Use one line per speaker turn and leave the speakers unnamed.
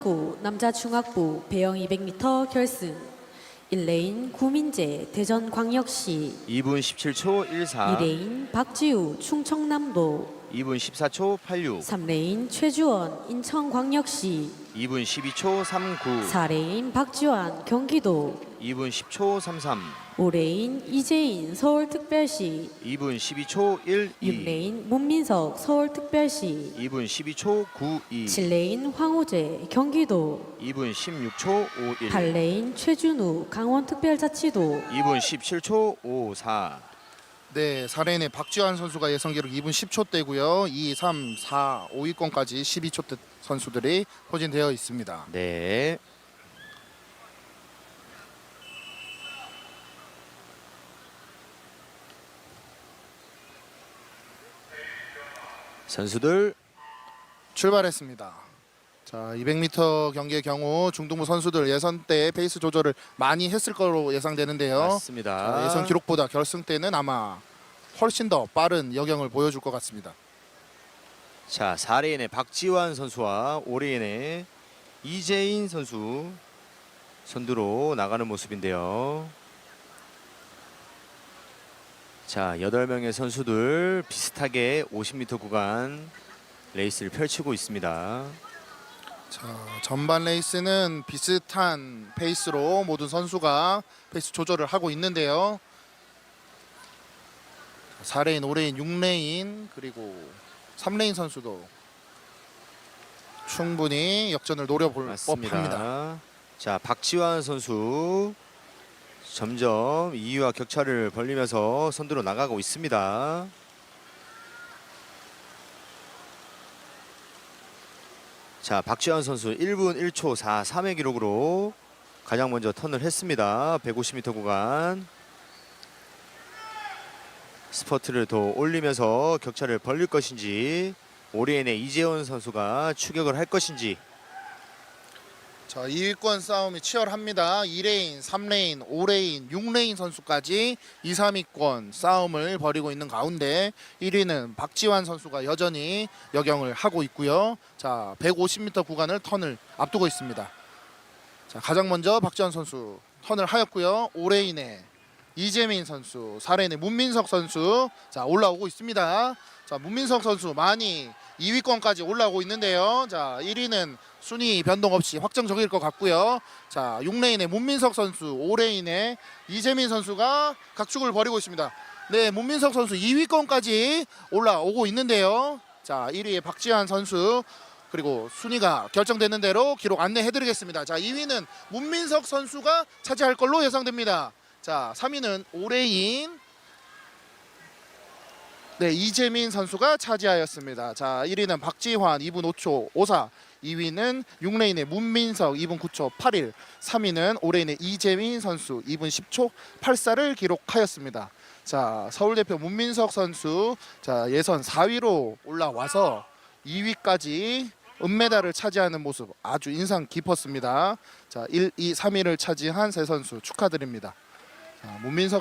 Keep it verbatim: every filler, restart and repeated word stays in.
구 남자 중학부 배영 이백 미터 결승 일 레인 구민재 대전광역시
이 분 십칠 초 일사,
이 레인 박지우 충청남도
이 분 십사 초 팔육,
삼 레인 최주원 인천광역시
이 분 십이 초 삼구,
사 레인 박지환 경기도
이 분 십 초 삼삼,
오 레인 이재인 서울특별시
이 분 십이 초 일이,
육 레인 문민석 서울특별시
이 분 십이 초 구이,
칠 레인 황호재 경기도
이 분 십육 초 오일,
팔 레인 최준우 강원특별자치도
이 분 십칠 초 오사.
네, 사 레인의 박지환 선수가 예선 기록 이 분 십 초대고요. 이, 삼, 사, 오 위권까지 십이 초대 선수들이 포진되어 있습니다.
네. 선수들
출발했습니다. 자, 이백 미터 경기의 경우 중등부 선수들 예선 때 페이스 조절을 많이 했을 거로 예상되는데요.
맞습니다.
자, 예선 기록보다 결승 때는 아마 훨씬 더 빠른 여경을 보여줄 것 같습니다.
자, 사 레인의 박지환 선수와 오 레인의 이재인 선수 선두로 나가는 모습인데요. 자, 여덟 명의 선수들 비슷하게 오십 미터 구간 레이스를 펼치고 있습니다.
자, 전반 레이스는 비슷한 페이스로 모든 선수가 페이스 조절을 하고 있는데요. 사 레인, 오 레인, 육 레인 그리고 삼 레인 선수도 충분히 역전을 노려볼
맞습니다.
법합니다.
자, 박지환 선수 점점 이 위와 격차를 벌리면서 선두로 나가고 있습니다. 자, 박지환 선수 일 분 일 초 사삼의 기록으로 가장 먼저 턴을 했습니다. 백오십 미터 구간 스퍼트를 더 올리면서 격차를 벌릴 것인지, 오 레인의 이재원 선수가 추격을 할 것인지.
자, 이 위권 싸움이 치열합니다. 이 레인, 삼 레인, 오 레인, 육 레인 선수까지 이, 삼 위권 싸움을 벌이고 있는 가운데 일 위는 박지환 선수가 여전히 역영을 하고 있고요. 자, 백오십 미터 구간을 턴을 앞두고 있습니다. 자, 가장 먼저 박지환 선수 턴을 하였고요. 오 레인의 이재민 선수, 사 레인의 문민석 선수 자 올라오고 있습니다. 자, 문민석 선수 많이 이 위권까지 올라오고 있는데요. 자, 일 위는 순위 변동 없이 확정적일 것 같고요. 자, 육 레인의 문민석 선수, 오 레인의 이재민 선수가 각축을 벌이고 있습니다. 네, 문민석 선수 이 위권까지 올라오고 있는데요. 자, 일 위의 박지환 선수 그리고 순위가 결정되는 대로 기록 안내해드리겠습니다. 자, 이 위는 문민석 선수가 차지할 걸로 예상됩니다. 자, 삼 위는 오 레인 네, 이재민 선수가 차지하였습니다. 자, 일 위는 박지환 이 분 오 초 오사, 이 위는 육 레인의 문민석 이 분 구 초 팔일, 삼 위는 오 레인의 이재민 선수 이 분 십 초 팔사를 기록하였습니다. 자, 서울대표 문민석 선수 자 예선 사 위로 올라와서 이 위까지 은메달을 차지하는 모습 아주 인상 깊었습니다. 자, 일, 이, 삼 위를 차지한 세 선수 축하드립니다. 자, 문민석